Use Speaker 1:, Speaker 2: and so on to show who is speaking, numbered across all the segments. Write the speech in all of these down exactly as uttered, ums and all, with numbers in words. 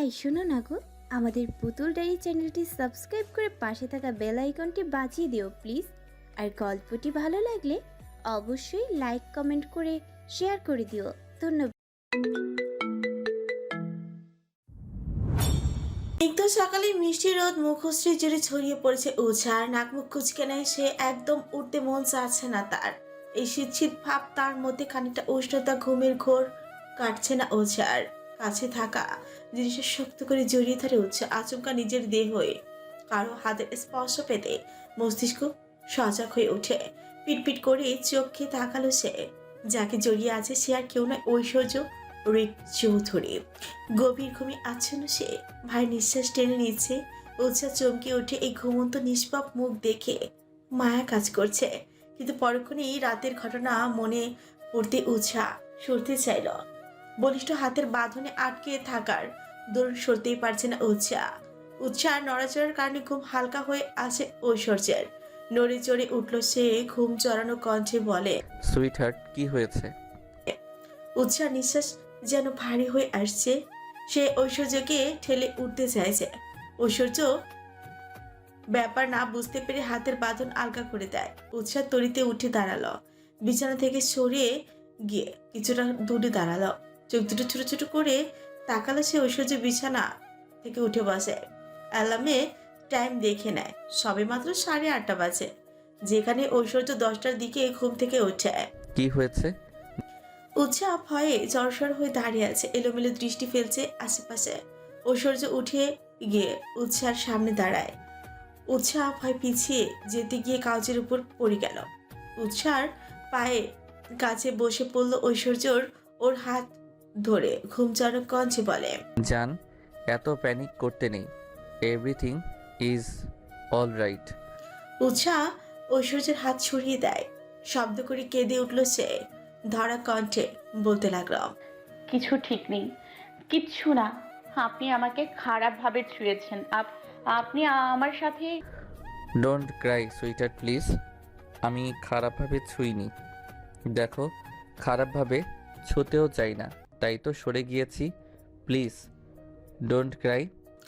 Speaker 1: এই শোনো না গো, আমাদের পুতুল ডায়েরি চ্যানেলটি সাবস্ক্রাইব করে পাশে থাকা বেল আইকনটি বাজিয়ে দিও প্লিজ। আর গল্পটি ভালো লাগলে অবশ্যই লাইক কমেন্ট করে শেয়ার করে দিও। ধন্যবাদ।
Speaker 2: একদম সকালে মিষ্টি রোদ মুখশ্রী জুড়ে ছড়িয়ে পড়েছে উঝার নাক মুখ কুচকে নেয় সে, একদম উঠতে মন চাচ্ছে না তার। এই শীত শীত ভাব, তার মধ্যে খানিকটা উষ্ণতা, ঘুমের ঘোর কাটছে না উঝার। কাছে থাকা জিনিসের শক্ত করে জড়িয়ে ধরে উঠছে আচমকা নিজের দেহ হয়ে। কারো হাতের স্পর্শ পেতে মস্তিষ্ক সজাগ হয়ে ওঠে। পিটপিট করে চোখে তাকালো সে। যাকে জড়িয়ে আছে সে আর কেউ নয়, ঐশ্বর্য রিক চৌধুরী। গভীর ঘুমে আচ্ছন্ন সে, ভাই নিঃশ্বাস টেনে নিচ্ছে। উৎসাহ চমকে উঠে এই ঘুমন্ত নিষ্পাপ মুখ দেখে মায়া কাজ করছে, কিন্তু পরক্ষণেই রাতের ঘটনা মনে পড়তে উৎসাহ সরতে চাইল। বলিষ্ঠ হাতের বাঁধনে আটকে থাকার দৌড় সরতেই পারছে না উৎসাহ। উৎসাহ নড়াচড়ার কারণে ঘুম হালকা হয়ে আছে ঐশ্বর্যের। নড়ে চড়ে উঠল সে, ঘুম চড়ানো কণ্ঠে বলে,
Speaker 3: সুইট হার্ট, কি হয়েছে?
Speaker 2: উৎসাহ নিঃশ্বাস যেন ভারী হয়ে আসছে। সে ঐশ্বর্যকে ঠেলে উঠতে চাইছে। ঐশ্বর্য ব্যাপার না বুঝতে পেরে হাতের বাঁধন আলগা করে দেয়। উৎসাহ তরিতে উঠে দাঁড়ালো, বিছানা থেকে সরিয়ে গিয়ে কিছুটা দূরে দাঁড়ালো। চোখ দুটো ছোট ছোট করে তাকালো সে। ঐশ্বর্য বিছানা থেকে উঠে বসে, অ্যালার্মে টাইম দেখে নেয়। সবে মাত্র সাড়ে আটটা বাজে, যেখানে ঐশ্বর্য দশটার দিকে ঘুম থেকে ওঠে।
Speaker 3: কি হয়েছে?
Speaker 2: উৎসাহ ভয়ে জড়সড় হয়ে দাঁড়িয়ে আছে, এলোমেলো দৃষ্টি ফেলছে আশেপাশে। ঐশ্বর্য উঠে গিয়ে উৎসাহের সামনে দাঁড়ায়। উৎসাহ ভয় পিছিয়ে যেতে গিয়ে কাগজের উপর পড়ে গেল। উৎসাহের পায়ে কাছে বসে পড়ল ঐশ্বর্যর, ওর হাত ধরে ঘুমচারক কঞ্চে বলে,
Speaker 3: জান, এত প্যানিক করতে নেই। Everything is all right.
Speaker 2: Utsah ঐশ্বর্যের হাত ছড়িয়ে দেয়। শব্দ করে কেঁদে উঠল সে, ধরা কণ্ঠে বলতে লাগলো,
Speaker 4: কিছু ঠিক নেই, কিচ্ছু না। আপনি আমাকে খারাপভাবে ছুঁয়েছেন। আপ আপনি আমার সাথে
Speaker 3: don't cry sweet heart please. আমি খারাপভাবে ছুঁইনি। দেখো, খারাপভাবে ছুঁতেও চাই না, তাই তো সরে গিয়েছি। Please don't cry.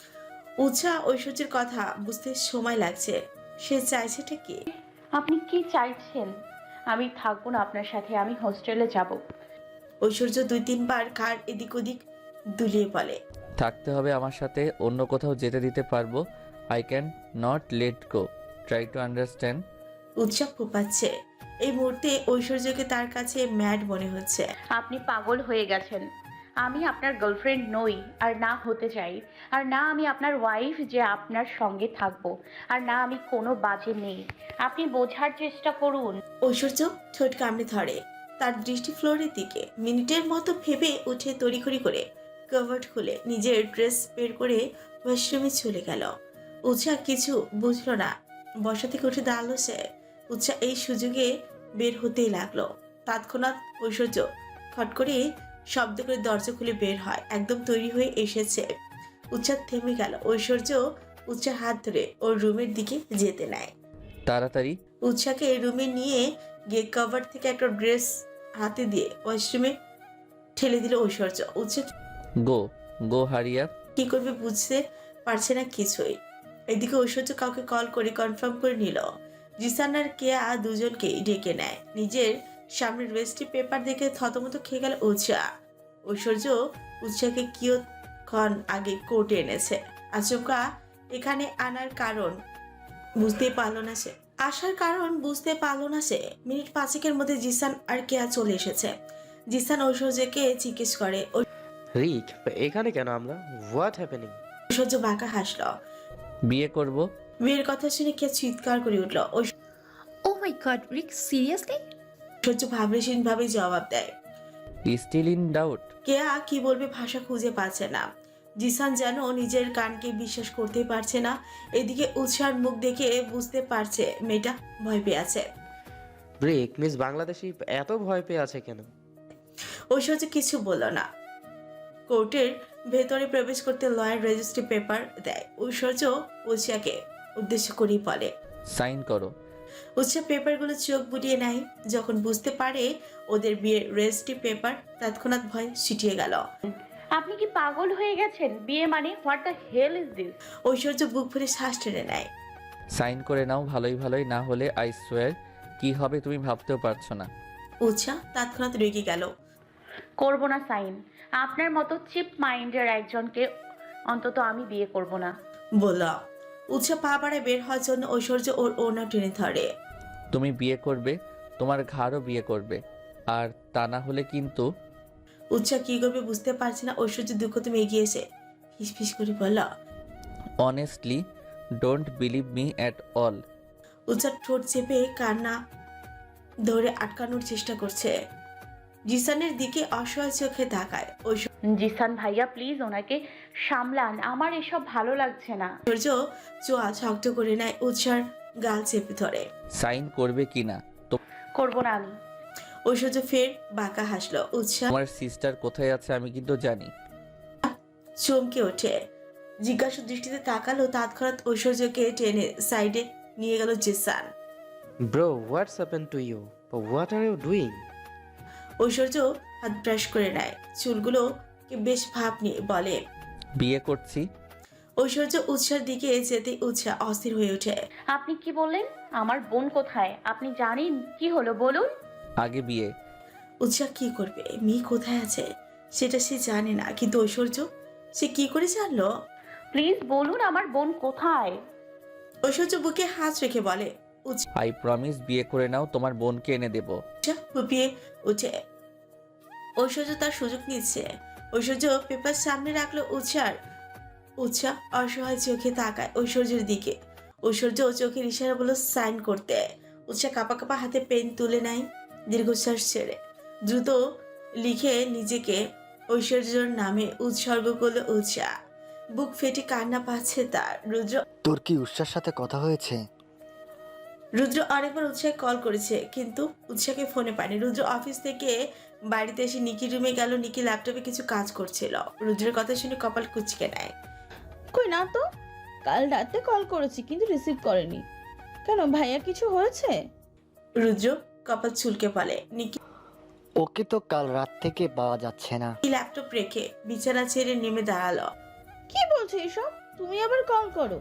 Speaker 2: উৎসাহ ঐশ্বর্যের কথা বুঝতে সময় লাগছে। সে চাইছেটা কি?
Speaker 4: আপনি কি চাইছেন? আমি থাকবো না আপনার সাথে, আমি হোস্টেলে যাব।
Speaker 2: ঐশ্বর্য দুই তিনবার কার এদিক ওদিক দুলিয়ে বলে,
Speaker 3: থাকতে হবে আমার সাথে, অন্য কোথাও যেতে দিতে পারবো। I can not let go, try to understand.
Speaker 2: Utsah ফোপাচ্ছে। এই মুহূর্তে ঐশ্বর্যকে তার কাছে ম্যাড মনে হচ্ছে।
Speaker 4: আপনি পাগল হয়ে গেছেন। আমি আপনার গার্লফ্রেন্ড নই, আর না হতে চাই। আর না আমি আপনার ওয়াইফ যে আপনার সঙ্গে থাকবো। আর না আমি কোনো বাজে নেই। আপনি বোঝার চেষ্টা করুন।
Speaker 2: ঐশ্বর্য ঠোঁট কামড়ে ধরে, তার দৃষ্টি ফ্লোরের দিকে। মিনিটের মতো ভেবে উঠে তড়িঘড়ি করে কভার খুলে নিজের ড্রেস বের করে ওয়াশরুমে চলে গেল। উৎসাহ কিছু বুঝলো না, বসা থেকে উঠে দাঁড়ালো সে। উৎসাহ এই সুযোগে বের হতেই লাগলো। তৎক্ষণাৎ ঐশ্বর্য খট করে শব্দ করে দরজা খুলে বের হয়, একদম তৈরি হয়ে এসেছে। উৎসাহ থেমে গেল। ঐশ্বর্য উৎসাহ হাত ধরে ওর রুমের দিকে যেতে নেয়।
Speaker 3: তাড়াতাড়ি।
Speaker 2: উৎসাহকে রুমে নিয়ে গিয়ে কভার থেকে একটা ড্রেস হাতে দিয়ে ওয়াশরুমে ঠেলে দিল ঐশ্বর্য। উৎসাহ
Speaker 3: গো গো হারিয়া।
Speaker 2: কি করবে বুঝতে পারছে না কিছুই। এদিকে ঐশ্বর্য কাউকে কল করে কনফার্ম করে নিল। জিসান আর কেয়া দুজনকে ডেকে নেয়। নিজের সামনে রেজিস্ট্রি পেপার দেখে থতমত খেয়ে গেল উৎসাহ। ঐশ্বর্য উৎসাহকে কিয়ৎক্ষণ আগে কোর্টে এনেছে, আচমকা এখানে আনার কারণ বুঝতেই পারলো না সে। আসার কারণ বুঝতে পারলো না সে। মিনিট পাঁচেকের মধ্যে জিসান আর কেয়া চলে এসেছে। জিসান ঐশ্বর্যকে জিজ্ঞেস করে,
Speaker 5: রিক, এখানে কেন আমরা? What happening?
Speaker 2: ঐশ্বর্য বাঁকা হাসলো।
Speaker 3: বিয়ে করব।
Speaker 2: বিয়ের কথা শুনে কেয়া চিৎকার করে উঠল।
Speaker 6: Oh my god, Rick, seriously?
Speaker 2: ঐশ্বর্য ভাবলেশীন ভাবে জবাব দেয়।
Speaker 3: Still in doubt.
Speaker 2: কেয়া কি বলবে ভাষা খুঁজে পাচ্ছে না। জিসান যেন নিজের কানকে বিশ্বাস করতে পারছে না। এদিকে উৎসার মুখ দেখে বুঝতে পারছে মেয়েটা ভয় পেয়ে আছে।
Speaker 5: রিক, মিস বাংলাদেশি এত ভয় পেয়ে আছে কেন?
Speaker 2: ঐশ্বর্য কিছু বলল না। কোর্টের ভেতরে প্রবেশ করতে লয়ার রেজিস্ট্রি পেপার দেয়। ঐশ্বর্য উৎসাকে উদ্দেশ্য করেই বলে,
Speaker 3: সাইন করো।
Speaker 2: উৎসাহ পেপারগুলো চোখ বুলিয়ে নেয়। যখন বুঝতে পারে ওদের বিয়ের রেজিস্ট্রি পেপার, তৎক্ষণাৎ ভয় ছিটিয়ে গেল।
Speaker 4: আপনি কি পাগল হয়ে গেছেন? বিয়ে মানে what the hell is this?
Speaker 2: Aishwarya বুক ভরে শ্বাস টেনে নেয়।
Speaker 3: সাইন করে নাও ভালোই ভালোই, না হলে আই সোয়ার কি হবে তুমি ভাবতেও পারছো না।
Speaker 2: উৎসাহ তৎক্ষণাৎ রেগে গেল।
Speaker 4: করব না সাইন। আপনার মতো চিপ মাইন্ডের একজনকে অন্তত আমি বিয়ে করব না।
Speaker 2: বলল। উৎসাহ পা বাড়ায় বের হওয়ার জন্য ঐশ্বর্য ওর ওনা টেনে ধরে।
Speaker 3: তুমি বিয়ে করবে, তোমার ঘাড়ও বিয়ে করবে, আর তা না হলে কিন্তু।
Speaker 2: উৎসাহ কি করবে বুঝতে পারছে না। ঐশ্বর্য দুঃখ তুমি এগিয়ে এসে ফিস করে বলল।
Speaker 3: Honestly don't believe me at all.
Speaker 2: Utsah ঠোঁট চেপে কান্না ধরে আটকানোর চেষ্টা করছে। জিসানের দিকে অসহায় চোখে তাকায়।
Speaker 4: জিসান ভাইয়া প্লিজ ওনাকে সামলান, আমার এসব ভালো লাগছে না।
Speaker 2: ঐশ্বর্য চোয়া শক্ত করে নেয়, উৎসার গাল চেপে ধরে।
Speaker 3: সাইন করবে কি না? তো
Speaker 4: করব না আমি।
Speaker 2: ঐশ্বর্য ফের বাঁকা হাসলো। উৎসাহ
Speaker 3: তোমার সিস্টার কোথায় আছে আমি কিন্তু জানি।
Speaker 2: চমকে ওঠে, জিজ্ঞাসা দৃষ্টিতে তাকালো। তৎক্ষণাৎ ঐশ্বর্যকে টেনে সাইডে নিয়ে গেল Zeeshan.
Speaker 5: Bro what's happen to you? What are you doing?
Speaker 2: Aishwarya হাত ব্রাশ করে নেয় চুলগুলোকে বেশ ভাব নিয়ে বলে।
Speaker 3: বিয়ে করছি।
Speaker 2: ঐশ্বর্য উৎসার দিকে যেতে উৎসাহ অস্থির হয়ে ওঠে।
Speaker 4: আপনি কি বললেন? আমার বোন কোথায়? আপনি জানেন কি হলো বলুন?
Speaker 3: আগে বিয়ে।
Speaker 2: উৎসাহ কি করবে? মেয়ে কোথায় আছে সেটা সে জানে না, কিন্তু ঐশ্বর্য সে কি করে জানলো?
Speaker 4: প্লিজ বলুন আমার বোন কোথায়?
Speaker 2: ঐশ্বর্য বুকে হাত রেখে বলে।
Speaker 3: আই প্রমিস বিয়ে করে নাও, তোমার বোনকে এনে দেব।
Speaker 2: উৎসাহ ফুপিয়ে উঠে। ঐশ্বর্য তার সুযোগ নিচ্ছে। ঐশ্বর্য পেপার সামনে রাখলো উৎসার। উৎসাহ অসহায় চোখে তাকায় ঐশ্বর্যের দিকে। ঐশ্বর্য চোখের ইশারা বলো সাইন করতে। উৎসাহ কাপা কাপা হাতে পেন তুলে নেয়, দীর্ঘশ্বাস ছেড়ে দ্রুত লিখে নিজেকে ঐশ্বর্যর নামে উৎসর্গ করলো উৎসাহ। বুক ফেটে কান্না পাচ্ছে তার। রুদ্র
Speaker 7: তোর কি উৎসার সাথে কথা হয়েছে?
Speaker 2: রুদ্র অনেকবার উৎসাহে কল করেছে, কিন্তু উৎসাহকে ফোনে পায়নি। রুদ্র অফিস থেকে বাড়িতে এসে নিকি রুমে গেল। নিকি ল্যাপটপে কিছু কাজ করছিল। রুদ্রের কথা শুনে কপাল কুঁচকে নেয়।
Speaker 8: কই না তো, কাল রাতে কল করেছি কিন্তু রিসিভ করেনি কেন? ভাইয়া কিছু হয়েছে?
Speaker 2: রুদ্র কপাল চুলকে বলে। নিকি
Speaker 7: ওকে তো কাল রাত থেকে পাওয়া যাচ্ছে না।
Speaker 2: ল্যাপটপ রেখে বিছানা ছেড়ে নেমে দাঁড়ালো।
Speaker 8: কি বলছো এসব? তুমি আবার কল করো?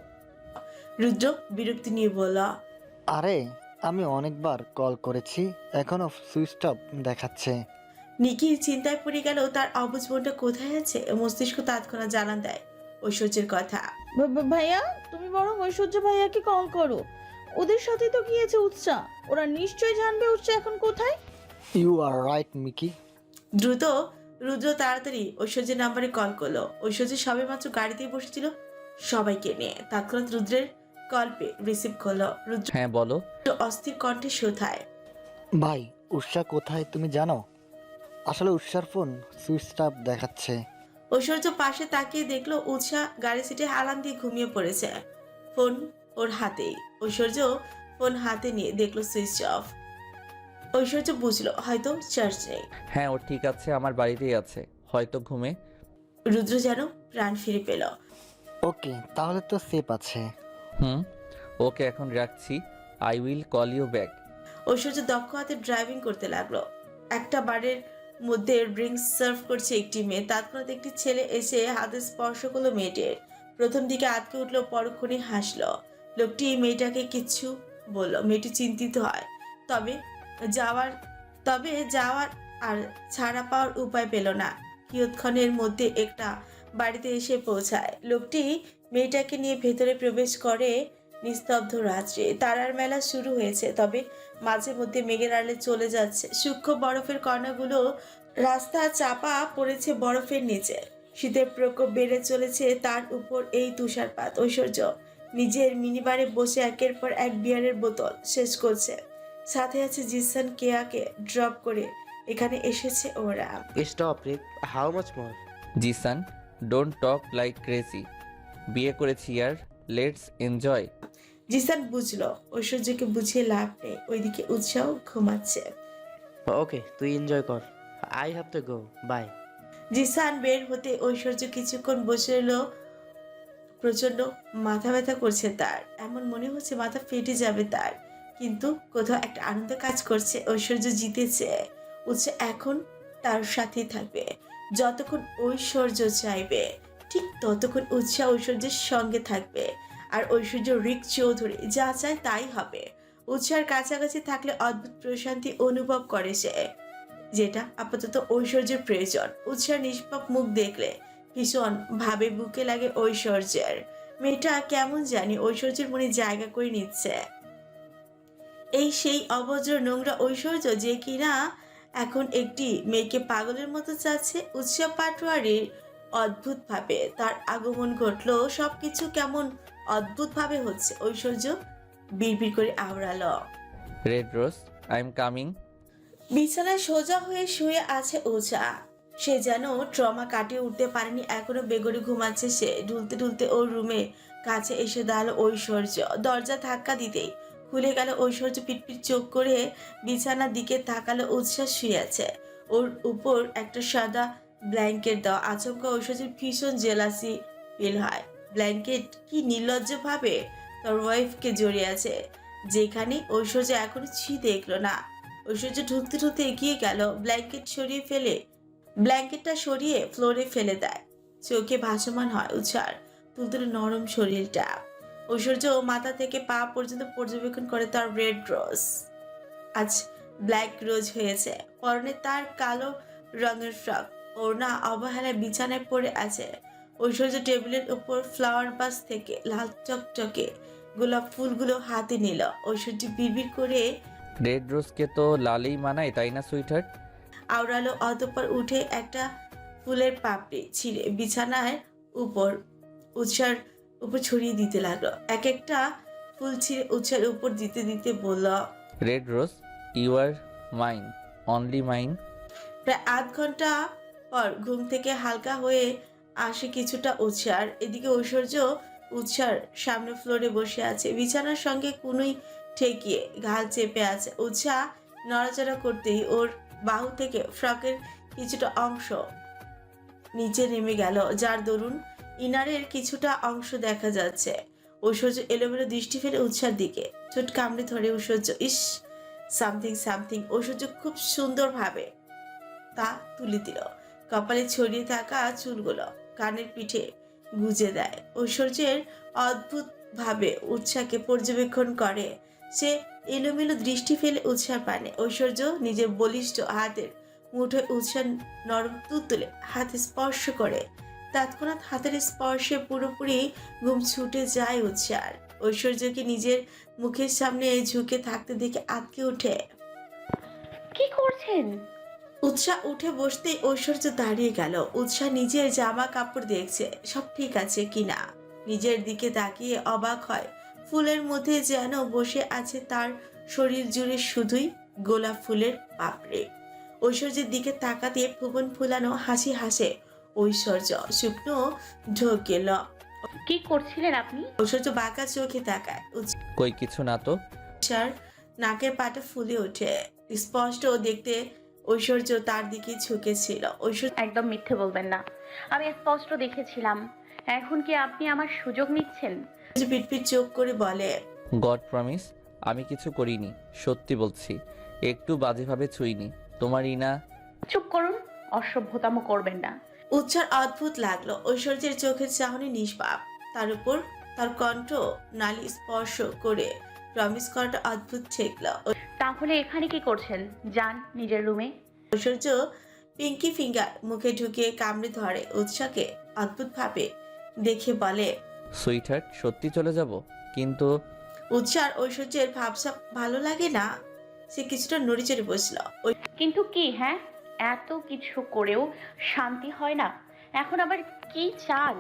Speaker 2: রুদ্র বিরক্তি নিয়ে বলল।
Speaker 7: আরে আমি অনেকবার কল করেছি, এখনো সুইচ অফ দেখাচ্ছে।
Speaker 2: নিকির চিন্তায় পড়ে গেল তার অবুঝ বোনটা কোথায় আছে। মস্তিষ্ক তৎক্ষণাৎ জানান দেয় ঐশ্বর্যের কথা।
Speaker 8: ভা- ভা- ভাইয়া তুমি বরং ঐশ্বর্য ভাইয়াকে কল করো, ওদের সাথে তো গিয়েছে উৎসাহ, ওরা নিশ্চয়ই জানবে উৎসাহ এখন কোথায়।
Speaker 7: You are right Micky.
Speaker 2: দ্রুত রুদ্র তাড়াতাড়ি ঐশ্বর্যের নাম্বারে কল করলো। ঐশ্বর্য সবে মাত্র গাড়িতেই বসেছিল সবাইকে নিয়ে। তৎক্ষণাৎ রুদ্রের কল পেয়ে রিসিভ করলো। রুদ্র
Speaker 3: হ্যাঁ বলো।
Speaker 2: অস্থির কণ্ঠে শোধায়।
Speaker 7: ভাই উৎসা কোথায় তুমি জানো? আসলে উৎসার ফোন সুইচ অফ দেখাচ্ছে।
Speaker 2: ঐশ্বর্য পাশে তাকিয়ে দেখলো উৎসাহ গাড়ি সিটে হালান দিয়ে ঘুমিয়ে পড়েছে, ফোন ওর হাতেই। ঐশ্বর্য ফোন হাতে নিয়ে দেখলো সুইচ অফ। ঐশ্বর্য বুঝলো হয়তো চার্জ নেই।
Speaker 3: হ্যাঁ ও ঠিক আছে, আমার বাড়িতেই আছে, হয়তো ঘুমে।
Speaker 2: রুদ্র যেন প্রাণ ফিরে পেল।
Speaker 7: ওকে তাহলে তো সেফ আছে।
Speaker 3: হুম ওকে এখন রাখছি, I will call you back.
Speaker 2: Aishwarya দক্ষ হাতে ড্রাইভিং করতে লাগলো। একটা বারের মধ্যে ড্রিঙ্কস সার্ভ করছে একটি মেয়ে। তৎক্ষণাৎ একটি ছেলে এসে হাতে স্পর্শ করলো মেয়েটির। প্রথম দিকে আটকে উঠলো, পরক্ষণে হাসলো। লোকটি মেয়েটাকে কিচ্ছু বলল। মেয়েটি চিন্তিত হয়, তবে যাওয়ার তবে যাওয়ার আর ছাড়া পাওয়ার উপায় পেল না। কিয়ৎক্ষণের মধ্যে একটা বাড়িতে এসে পৌঁছায়। লোকটি মেয়েটাকে নিয়ে ভেতরে প্রবেশ করে। নিস্তব্ধ রাত্রে তারার মেলা শুরু হয়েছে, তবে মাঝে মধ্যে মেঘের আড়ালে চলে যাচ্ছে সূক্ষ্ম বরফের কণাগুলো। রাস্তা চাপা পড়েছে বরফের নিচে। শীতের প্রকোপ বেড়ে চলেছে তার উপর এই তুষারপাত। ঐশ্বর্য নিজের মিনিবারে বসে একের পর এক বিয়ারের বোতল শেষ করছে। সাথে আছে জিসান, কেয়াকে ড্রপ করে এখানে এসেছে ওরা।
Speaker 5: Stop Rick, how much more?
Speaker 3: Zeeshan don't talk like crazy. বিয়ে করেছি ইয়ার, লেটস এনজয়।
Speaker 2: জিসান বুঝলো ঐশ্বর্যকে বুঝিয়ে লাভ নেই। ওইদিকে উৎসাহ ঘুমাচ্ছে।
Speaker 5: ওকে তুই এনজয় কর, I have to go, bye.
Speaker 2: Zeeshan বের হতে ঐশ্বর্য কিছুক্ষণ বসে এলো। প্রচন্ড মাথা ব্যথা করছে তার, এমন মনে হচ্ছে মাথা ফেটে যাবে তার। কিন্তু কোথাও একটা আনন্দ কাজ করছে। ঐশ্বর্য জিতেছে, উৎসাহ এখন তার সাথেই থাকবে। যতক্ষণ ঐশ্বর্য চাইবে ঠিক ততক্ষণ উৎসাহ ঐশ্বর্যের সঙ্গে থাকবে। আর ঐশ্বর্য রিক চৌধুরী যা চায় তাই হবে। উৎসার কাছাকাছি থাকলে অদ্ভুত প্রশান্তি অনুভব করে সে, যেটা আপাতত ঐশ্বর্যের প্রয়োজন। উৎসার নিষ্পাপ মুখ দেখলে ভীষণ ভাবে বুকে লাগে ঐশ্বর্যের। মেয়েটা কেমন জানি ঐশ্বর্যের মনে জায়গা করে নিচ্ছে। এই সেই অভদ্র নোংরা ঐশ্বর্য যে কিনা এখন একটি মেয়েকে পাগলের মতো চাচ্ছে। উৎসব পাটোয়ারির অদ্ভুতভাবে তার আগমন ঘটলো। সবকিছু কেমন অদ্ভুতভাবে হচ্ছে। ঐশ্বর্য বিড়বিড় করে আওড়ালো,
Speaker 3: red rose, I am coming.
Speaker 2: বিছানায় সোজা হয়ে শুয়ে আছে উষা। সে যেন ট্রমা কাটিয়ে উঠতে পারেনি, এখনো বেগরে ঘুমাচ্ছে সে। ঢুলতে ঢুলতে ওর রুমে কাছে এসে দাঁড়ালো ঐশ্বর্য। দরজা ধাক্কা দিতেই খুলে গেল। ঐশ্বর্য পিটপিট চোখ করে বিছানার দিকে তাকালো। উচ্ছ্বাস শুয়ে আছে, ওর উপর একটা সাদা ব্ল্যাঙ্কেট দেওয়া। আচমকা ঐশ্বর্যের ভীষণ জেলাসি ফিল হয়। ব্ল্যাঙ্কেট কি নির্লজ্জ ভাবে তার ওয়াইফকে জড়িয়ে আছে, যেখানে ঐশ্বর্য এখনো ছি দেখলো না। ঐশ্বর্য ঢুকতে ঢুকতে এগিয়ে গেল, ব্ল্যাঙ্কেট সরিয়ে ফেলে ব্ল্যাঙ্কেটটা সরিয়ে ফ্লোরে ফেলে দেয়। চোখে ভাসমান হয় উৎসার তুলতুলে নরম শরীরটা। ঐশ্বর্য মাথা থেকে পা পর্যন্ত পর্যবেক্ষণ করে তার রেড রোজ। আজ ব্ল্যাক রোজ হয়েছে। পরনে তার কালো রঙের ফ্রক, ওড়না অবহেলায় বিছানায় পড়ে আছে। ঐশ্বর্য টেবিলের উপর ফ্লাওয়ার বাস থেকে লাল চকচকে গোলাপ ফুলগুলো হাতে নিল। ঐশ্বর্য বিড়বিড় করে
Speaker 3: রেড রোজকে তো লালেই মানায়, তাই না সুইটহার্ট?
Speaker 2: আওড়ালো। অতঃপর উঠে একটা ফুলের পাপড়ি ছিঁড়ে বিছানার উপর উৎসার উপর ছড়িয়ে দিতে লাগলো। এক একটা ফুল ছিঁড়ে উৎসার উপর দিতে দিতে বলল,
Speaker 3: red rose, you are mine, only mine.
Speaker 2: প্রায় আধ ঘন্টা পর ঘুম থেকে হালকা হয়ে আসে কিছুটা উৎসার। এদিকে ঐশ্বর্য উৎসার সামনে ফ্লোরে বসে আছে, বিছানার সঙ্গে কুনুই ঠেকিয়ে ঘাল চেপে আছে। উৎসাহ নড়াচড়া করতেই ওর বাহু থেকে ফ্রকের কিছুটা অংশ নিচে নেমে গেল, যার দরুন ইনারের কিছুটা অংশ দেখা যাচ্ছে। ঐশ্বর্য এলোমেলো দৃষ্টি ফেলে উৎসার দিকে ঠোঁট কামড়ে ধরে ঐশ্বর্য। ইস, সামথিং সামথিং। ঐশ্বর্য খুব সুন্দরভাবে তা তুলে দিল। কপালে ছড়িয়ে থাকা চুলগুলো কানের পিঠে গুজে দেয়। ঐশ্বর্যের অদ্ভুত ভাবে উৎসাহকে পর্যবেক্ষণ করে সে। এলোমেলো দৃষ্টি ফেলে উৎসাহ পানে। ঐশ্বর্য নিজের বলিষ্ঠ হাতের মুঠোয় উৎসাহ নরম তুলতুলে হাতে স্পর্শ করে। তৎক্ষণাৎ হাতের স্পর্শে পুরোপুরি ঘুম ছুটে যায় উৎসার। ঐশ্বর্যকে নিজের মুখের সামনে ঝুঁকে থাকতে দেখে আটকে ওঠে।
Speaker 4: কি করছেন?
Speaker 2: উৎসাহ উঠে বসতেই ঐশ্বর্য দাঁড়িয়ে গেল। উৎসাহ নিজের জামা কাপড় দেখছে সব ঠিক আছে কিনা। নিজের দিকে তাকিয়ে অবাক হয়, ফুলের মধ্যে যেন বসে আছে তার শরীর জুড়ে শুধুই গোলাপ ফুলের পাপড়ি। ঐশ্বর্যের দিকে তাকাতে ভুবন ফুলানো হাসি হাসে ঐশ্বর্য। শুকনো ঢোক গেল।
Speaker 4: কি করছিলেন আপনি?
Speaker 2: ঐশ্বর্য বাঁকা চোখে তাকায়।
Speaker 3: কই কিছু না তো।
Speaker 2: উৎসার নাকের পাটা ফুলে ওঠে। স্পষ্ট দেখতে ঐশ্বর্য তার দিকে ঝুঁকেছিল। ঐশ্বর্য
Speaker 4: একদম মিথ্যে বলবেন না, আমি স্পষ্ট দেখেছিলাম। এখন কি আপনি আমার সুযোগ নিচ্ছেন?
Speaker 2: পিটপিট চোখ করে বলে,
Speaker 3: গড প্রমিস, আমি কিছু করিনি, সত্যি বলছি। একটু বাজেভাবে ছুঁইনি তোমার ইনা।
Speaker 4: চুপ করুন, অসভ্যতামো করবেন না।
Speaker 2: উৎসার অদ্ভুত লাগলো। ঐশ্বর্যের চোখের চাহনি নিষ্পাপ, তার উপর তার কণ্ঠ নালী স্পর্শ করে প্রমিস করাটা অদ্ভুত ঠেকলো।
Speaker 4: তাহলে এখানে কি করছেন? যান নিজের রুমে।
Speaker 2: ঐশ্বর্য পিঙ্কি ফিঙ্গার মুখে ঢুকিয়ে কামড়ে ধরে উৎসাকে অদ্ভুত ভাবে দেখে বলে,
Speaker 3: সুইটহার্ট, সত্যি চলে যাব কিন্তু।
Speaker 2: উৎসার ঐশ্বর্যের ভাবসাব ভালো লাগে না। সে কিছুটা নড়িচড়ে বসল।
Speaker 4: কিন্তু কি? হ্যাঁ, এত কিছু করেও শান্তি হয় না, এখন আবার কি চাল?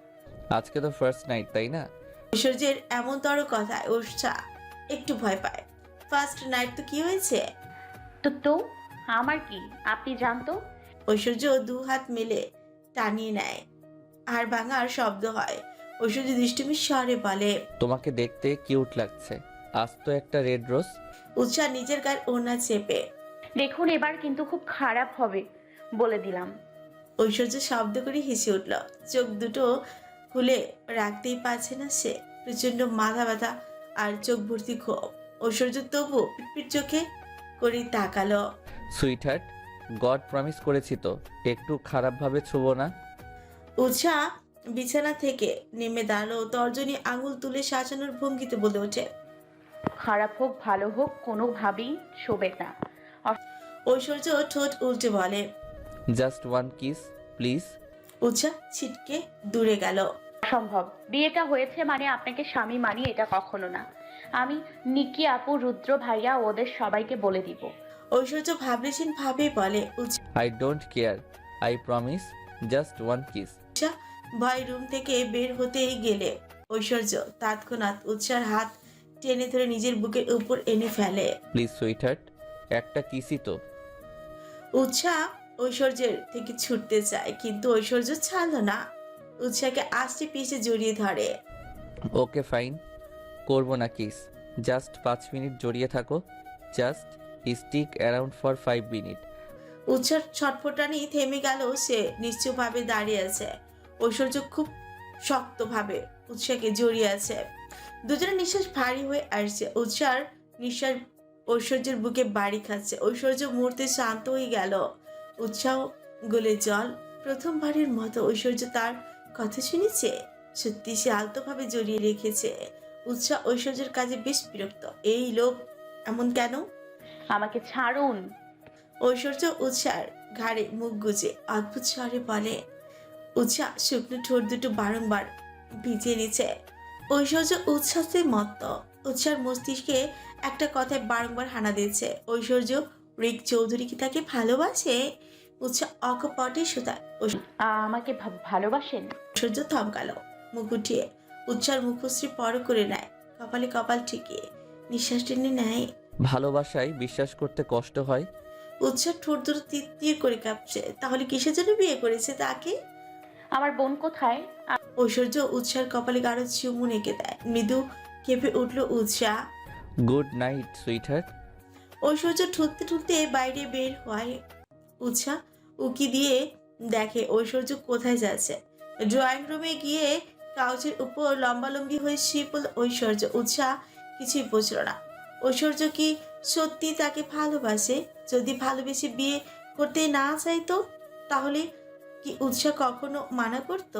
Speaker 3: আজকে তো ফার্স্ট নাইট, তাই না?
Speaker 2: ঐশ্বর্যের এমনতর কথায় উৎসাহ একটু ভয় পায়। ফার্স্ট নাইট তো কি হয়েছে?
Speaker 4: তো তো আমার কি, আপনি জানতো?
Speaker 2: ঐশ্বর্য দু হাত মেলে টানিয়ে নেয়, আর ভাঙার শব্দ হয়। ঐশ্বর্য দৃষ্টিমি স্বরে বলে,
Speaker 3: তোমাকে দেখতে কিউট লাগছে। আজ তো একটা রেড রোজ।
Speaker 2: উৎসাহ নিজের গায়ে ওড়না চেপে।
Speaker 4: দেখুন, এবার কিন্তু খুব খারাপ হবে বলে দিলাম।
Speaker 2: ঐশ্বর্য শব্দ করে হেসে উঠল। চোখ দুটো খুলে রাখতেই পারছে না সে। প্রচন্ড মাথা ব্যথা আর চোখ ভর্তি ক্ষোভ। ঐশ্বর্য তবু পিটপিট চোখে করে তাকালো।
Speaker 3: সুইটহার্ট, গড প্রমিস করেছি তো একটু খারাপভাবে ছুবো না।
Speaker 2: উৎসাহ বিছানা থেকে নেমে দাঁড়ালো, তর্জনী আঙুল তুলে সাজানোর ভঙ্গিতে বলে ওঠে।
Speaker 4: খারাপ হোক ভালো হোক কোনোভাবেই শোবে না।
Speaker 2: ঐশ্বর্য ঠোঁট উল্টে বলে।
Speaker 3: Just one kiss please.
Speaker 2: Utsah ছিটকে দূরে গেল।
Speaker 4: অসম্ভব, বিয়েটা হয়েছে মানে আপনাকে স্বামী মানি এটা কখনো না। আমি নিকি আপু, রুদ্র ভাইয়া ওদের সবাইকে বলে দিব।
Speaker 2: ঐশ্বর্য ভাবলেছেন ভাবে বলে।
Speaker 3: I don't care, I promise, just one kiss.
Speaker 2: Utsah ভয় রুম থেকে বের হতেই গেলে ঐশ্বর্য তৎক্ষণাৎ উৎসার হাত টেনে ধরে নিজের বুকের উপর এনে ফেলে।
Speaker 3: প্লিজ সুইটহার্ট, একটা কিসই তো।
Speaker 2: উৎসাহ ঐশ্বর্যের থেকে ছুটতে চায় কিন্তু ঐশ্বর্য ছাড়ল না। উৎসাহকে আষ্টে পিষে জড়িয়ে ধরে।
Speaker 3: ওকে ফাইন, করবো না কিস, জাস্ট পাঁচ মিনিট জড়িয়ে থাকো, just stick around for five minute.
Speaker 2: উৎসার ছটফটানি থেমে গেল, সে নিশ্চয়ভাবে দাঁড়িয়ে আছে। ঐশ্বর্য খুব শক্তভাবে উৎসাহকে জড়িয়ে আছে। দুজনের নিঃশ্বাস ভারী হয়ে আসছে। উৎসার নিঃশ্বাস ঐশ্বর্যের বুকে বাড়ি খাচ্ছে। ঐশ্বর্য মুহূর্তে শান্ত হয়ে গেল। উৎসাহ গলে জল। প্রথমবারের মতো ঐশ্বর্য তার কথা শুনেছে। সত্যি সে আলতোভাবে জড়িয়ে রেখেছে। উৎসাহ ঐশ্বর্যের কাজে বেশ বিরক্ত। এই লোক এমন কেন?
Speaker 4: আমাকে ছাড়ুন।
Speaker 2: ঐশ্বর্য উৎসার ঘাড়ে মুখ গুজে অদ্ভুত স্বরে বলে। উৎসাহ শুকনো ঠোঁট দুটো বারংবার ভিজিয়ে নিচ্ছে। ঐশ্বর্য উচ্ছ্বাসে মত্ত। উৎসার মস্তিষ্কে একটা কথায় বারংবার হানা দিচ্ছে। ঐশ্বর্য রিক চৌধুরী কি তাকে ভালোবাসে? উৎসাহ অকপটে শোধায়।
Speaker 4: আমাকে ভা- ভালোবাসেন?
Speaker 2: ঐশ্বর্য থমকালো, মুখ উঠিয়ে উৎসার মুখশ্রী পর করে নেয়। কপালে কপাল ঠেকিয়ে নিঃশ্বাস টেনে নেয়।
Speaker 3: ভালোবাসায় বিশ্বাস করতে কষ্ট হয়।
Speaker 2: উৎসাহ ঠোঁট দুটো তীর তীর করে কাঁপছে। তাহলে কিসের জন্য বিয়ে করেছে তাকে?
Speaker 4: আমার বোন কোথায়?
Speaker 2: ঐশ্বর্য উৎসার কপালে গাঢ় চুমু এঁকে দেয়। মৃদু কেঁপে উঠল Utsah.
Speaker 3: Good night sweetheart.
Speaker 2: Aishwarya ঠুকতে ঠুকতে বাইরে বের হয়। উৎসাহ উকি দিয়ে দেখে ঐশ্বর্য কোথায় যাচ্ছে। ড্রয়িং রুমে গিয়ে কাউচের উপর লম্বালম্বি হয়ে শুয়ে পড়ল ঐশ্বর্য। উৎসাহ কিছুই বুঝল না। ঐশ্বর্য কি সত্যি তাকে ভালোবাসে? যদি ভালোবেসে বিয়ে করতে না চাইতো তাহলে কি উৎসাহ কখনো মানা করতো?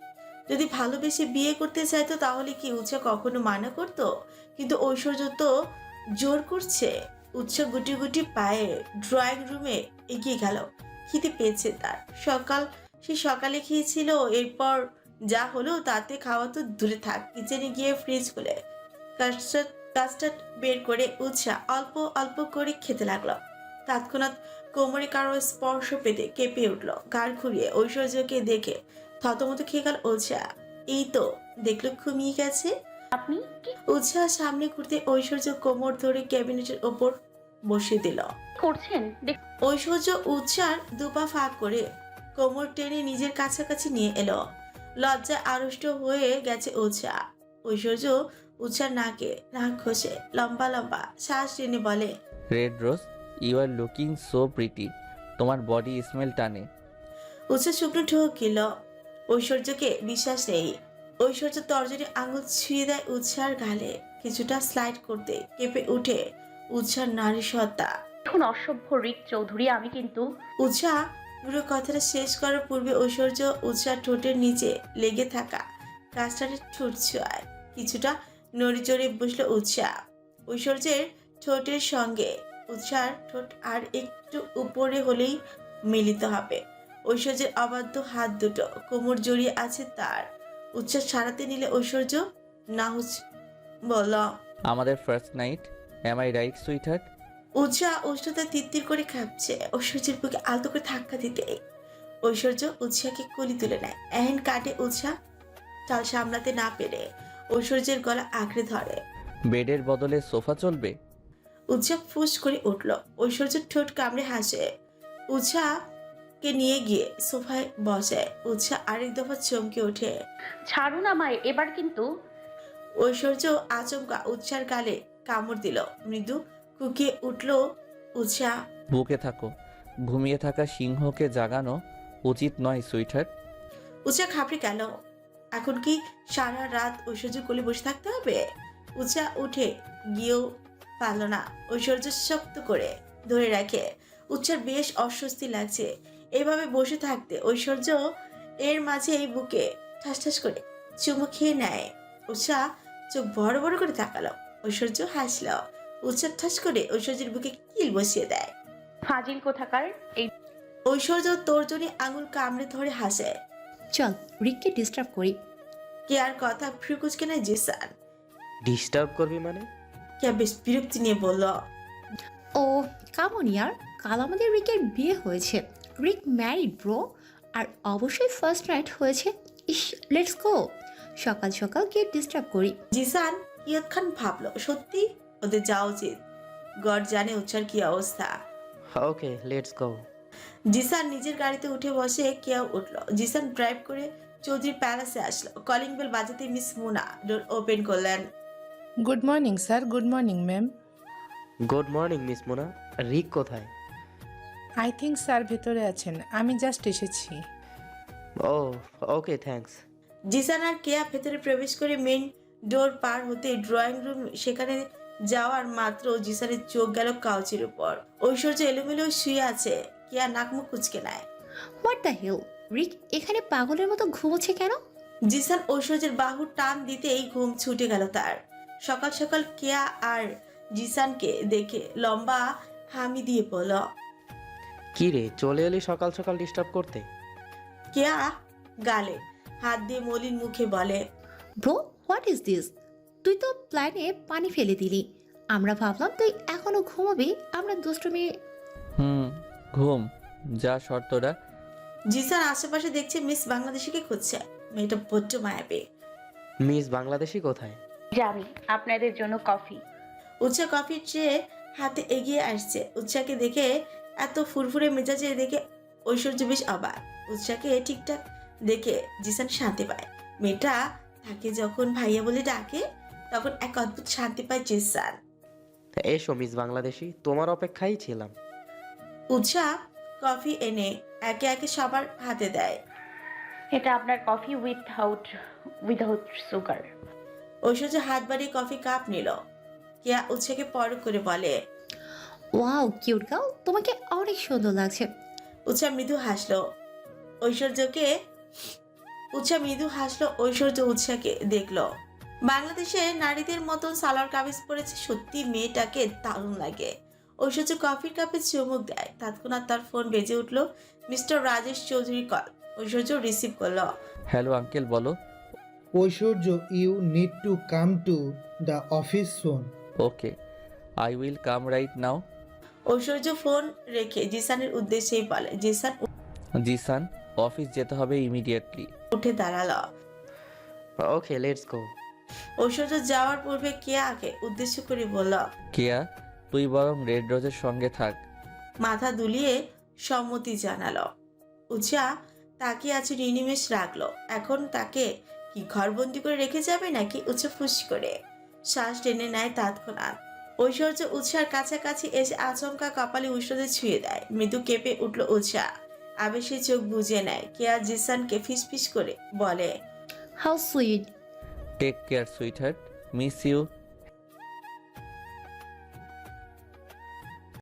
Speaker 2: যদি ভালোবেসে বিয়ে করতে চাইতো তাহলে কি উৎসাহ কখনো মানা করতো? কিন্তু ঐশ্বর্য তো জোর করছে। উৎসাহ গুটি গুটি পায়ে ড্রয়িং রুমে এগিয়ে গেল। খিদে পেয়েছে তার। সকাল সে সকালে খেয়েছিল। এরপর যা হলো তাতে খাওয়া তো দূরে থাক, কিচেনে গিয়ে ফ্রিজ খুলে কাস্টার্ড কাস্টার্ড বের করে উৎসাহ অল্প অল্প করে খেতে লাগলো। তৎক্ষণাৎ কোমরে কারো স্পর্শ পেতে কেঁপে উঠল। ঘাড় ঘুরিয়ে ঐশ্বর্যকে দেখে থতমত খেয়ে গেল উৎসাহ। এই তো দেখলো ঘুমিয়ে গেছে।
Speaker 4: আপনি কি
Speaker 2: উৎসাহ সামনে ঘুরতে ঐশ্বর্য কোমর ধরে ক্যাবিনেটের ওপর বসিয়ে দিল।
Speaker 4: করছেন? দেখ,
Speaker 2: ঐশ্বর্য উৎসার দুপা ফাঁক করে কোমর টেনে নিজের কাছাকাছি নিয়ে এলো। লজ্জায় আড়ষ্ট হয়ে গেছে উৎসাহ। ঐশ্বর্য উৎসার নাকে নাক ঘষে লম্বা লম্বা শ্বাস টেনে বলে।
Speaker 3: Red rose, you are looking so pretty, তোমার বডি স্মেল টানে।
Speaker 2: উৎসাহ শুকনো ঢোক গেল। ঐশ্বর্যকে বিশ্বাস নেই। ঐশ্বর্য তর্জনী আঙুল ছুঁয়ে দেয় উৎসার গালে। কিছুটা স্লাইড করতে কেঁপে উঠে উৎসার নারী সত্তা।
Speaker 4: এখন অসভ্য রিক চৌধুরী, আমি কিন্তু
Speaker 2: উৎসাহ পুরো কথাটা শেষ করার পূর্বে ঐশ্বর্য উৎসাহ ঠোঁটের নিচে লেগে থাকা কাস্টার্ডের ঠোঁট ছোঁয়ায়। কিছুটা নড়ে চড়ে বসলো উৎসাহ। ঐশ্বর্যের ঠোঁটের সঙ্গে উৎসার ঠোঁট আর একটু উপরে হলেই মিলিত হবে। ঐশ্বর্যের অবাধ্য হাত দুটো কোমর জড়িয়ে আছে তার। উৎসাহ সারাতে নিলে ঐশ্বর্য নাহুচ বলল।
Speaker 3: আমাদের first night, am I right sweetheart?
Speaker 2: Utsah উষ্ণতা তিত্তির করে কাঁপছে। ঐশ্বর্যের বুকে আলতো করে ধাক্কা দিতে ঐশ্বর্য উৎসাহকে কলি তুলে নেয়। এহেন কাটে উৎসাহ চাল সামলাতে না পেরে ঐশ্বর্যের গলা আঁকড়ে ধরে।
Speaker 3: বেডের বদলে সোফা চলবে?
Speaker 2: উৎসাহ ফুস করে উঠল। ঐশ্বর্যের ঠোঁট কামড়ে হাসে। উৎসাহকে নিয়ে গিয়ে সোফায় বসায়। উৎসাহ আরেক দফা চমকে ওঠে।
Speaker 4: ছাড়ুন আমায় এবার কিন্তু।
Speaker 2: ঐশ্বর্য আচমকা উৎসার গালে কামড় দিল। মৃদু কুকিয়ে উঠল উৎসাহ।
Speaker 3: বুকে থাকো, ঘুমিয়ে থাকা সিংহকে জাগানো উচিত নয় সুইটহার্ট।
Speaker 2: উৎসাহ ঘাবড়ে গেল। এখন কি সারা রাত ঐশ্বর্য কোলে বসে থাকতে হবে? উৎসাহ উঠে গিয়েও পারল না। ঐশ্বর্য শক্ত করে ধরে রাখে। উৎসার বেশ অস্বস্তি লাগছে এইভাবে বসে থাকতে। ঐশ্বর্য এর মাঝে এই বুকে ঠাস ঠাস করে চুমু খেয়ে নেয়। উৎসা চোখ বড় বড় করে তাকালো। ঐশ্বর্য হাসল। উৎসা ঠাস করে ঐশ্বর্যের বুকে কিল বসিয়ে দেয়।
Speaker 4: ফাজিল কোথাকার। এই
Speaker 2: ঐশ্বর্য তর্জনী আঙুল কামড়ে ধরে হাসে।
Speaker 6: চল রিককে ডিস্টার্ব করি।
Speaker 2: কেয়ার কথা ফ্রিকুচকে নেয় জিসান।
Speaker 5: ডিস্টার্ব করবি মানে?
Speaker 2: কেয়া বেশ বিরক্তি নিয়ে বলল,
Speaker 6: ও কামন ইয়ার, কাল আমাদের রিকের বিয়ে হয়েছে। রিক ম্যারিড ব্রো। আর অবশ্যই ফার্স্ট নাইট হয়েছে। ইস, লেটস গো। সকাল সকাল গিয়ে ডিস্টার্ব করি।
Speaker 2: জিসান ইয়ৎক্ষণ ভাবলো, সত্যি ওদের যাওয়া উচিত। গড জানে উৎসার কি অবস্থা।
Speaker 5: ওকে, লেটস গো।
Speaker 2: জিসান নিজের গাড়িতে উঠে বসে কেয়াও উঠলো। জিসান ড্রাইভ করে চৌধুরী প্যালেসে আসলো। কলিং বেল বাজাতে মিস মুনা ডোর ওপেন করলেন।
Speaker 9: Good morning sir. Good morning ma'am.
Speaker 5: Good morning Miss Mona. Rick কোথায়?
Speaker 9: আই থিঙ্ক স্যার ভেতরে আছেন, আমি জাস্ট এসেছি।
Speaker 5: ও ওকে, থ্যাঙ্কস।
Speaker 2: জিসান আর কেয়া ভেতরে প্রবেশ করে মেইন ডোর পার হতে ড্রয়িং রুম, সেখানে যাওয়ার মাত্র জিসানের চোখ গেল কাউচের উপর। ঐশ্বর্য এলোমেলো শুয়ে আছে। কেয়া নাকমুখ কুচকে নেয়।
Speaker 6: হোয়াট দ্য হেল, রিক এখানে পাগলের মতো ঘুমোচ্ছে কেন?
Speaker 2: জিসান ঐশ্বর্যের বাহু টান দিতেই ঘুম ছুটে গেল তার। সকাল সকাল কেয়া আর জিসানকে দেখে লম্বা হামি দিয়ে বলল,
Speaker 5: কি রে, চলে এলি সকাল সকাল ডিস্টার্ব করতে?
Speaker 2: কেয়া গালে হাত দিয়ে মলিন মুখে বলে,
Speaker 6: ব্রো হোয়াট ইজ দিস? তুই তো প্ল্যানে পানি ফেলে দিলি। আমরা ভাবলাম তুই এখনো ঘুমাবি, আমরা দুষ্টুমি।
Speaker 3: হুম, ঘুম যা শর্তটা।
Speaker 2: জিসান আশেপাশে দেখছে মিস বাংলাদেশিকে খুঁজছে। মেয়েটা বড্ড মায়াবী।
Speaker 5: মিস বাংলাদেশি কোথায়?
Speaker 4: জানি আপনাদের জন্য কফি।
Speaker 2: উৎসা কফির ট্রে হাতে এগিয়ে আসছে। উৎসাকে দেখে, এত ফুরফুরে মেজাজে দেখে ঐশ্বর্য বেশ অবাক। উৎসাকে ঠিকঠাক দেখে জিসান শান্তি পায়। মেয়েটা তাকে যখন ভাইয়া বলে ডাকে তখন এক অদ্ভুত শান্তি পায় জিসান।
Speaker 5: এসো মিস বাংলাদেশি, তোমার অপেক্ষায় ছিলাম।
Speaker 2: উৎসা কফি এনে একে একে সবার হাতে দেয়।
Speaker 4: এটা আপনার coffee without without sugar.
Speaker 2: Aishwarya হাত বাড়িয়ে কফি কাপ নিল। কেয়া উৎসাকে পরখ করে বলে,
Speaker 6: ওয়াও কিউট গার্ল, তোমাকে অনেক সুন্দর লাগছে।
Speaker 2: উৎসা মৃদু হাসলো ঐশ্বর্যকে উৎসা মৃদু হাসলো ঐশ্বর্য উৎসাকে দেখলো। বাংলাদেশের নারীদের মতন সালোয়ার কামিজ পরেছে। সত্যি মেয়েটাকে দারুণ লাগে। ঐশ্বর্য কফির কাপে চুমুক দেয়। তৎক্ষণাৎ তার ফোন বেজে উঠলো। Mister Rajesh Chowdhury call. Aishwarya receive করলো।
Speaker 3: হ্যালো আঙ্কেল, বলো।
Speaker 10: Aishwarya, you need to come to the office soon.
Speaker 3: Okay, I will come right now.
Speaker 2: Aishwarya phone রেখে জিসানের উদ্দেশ্যেই বলে। জিসান
Speaker 3: জিসান, অফিস যেতে হবে ইমিডিয়েটলি।
Speaker 2: উঠে দাঁড়ালো।
Speaker 5: ওকে, লেটস গো।
Speaker 2: ঐশ্বর্য যাওয়ার পূর্বে কেয়াকে উদ্দেশ্য করে বলল,
Speaker 3: কেয়া, তুই বরং রেড রোজের সঙ্গে থাক।
Speaker 2: মাথা দুলিয়ে সম্মতি জানালো। উৎসা তাকিয়ে আছে নিনিমেষ রাখলো। এখন তাকে কি ঘরবন্দি করে রেখে যাবে নাকি? উৎসা ফুস করে শ্বাস টেনে নেয় তৎক্ষণাৎ। ঐশ্বর্য উৎসার কাছাকাছি এসে আচমকা কপালে উষ্ণতে ছুঁয়ে দেয়। মৃদু কেঁপে উঠল উৎসা। আবেশে চোখ বুজে নেয়। কেয়া জিসানকে ফিসফিস করে বলে,
Speaker 6: how sweet.
Speaker 3: Take care sweet heart, miss you.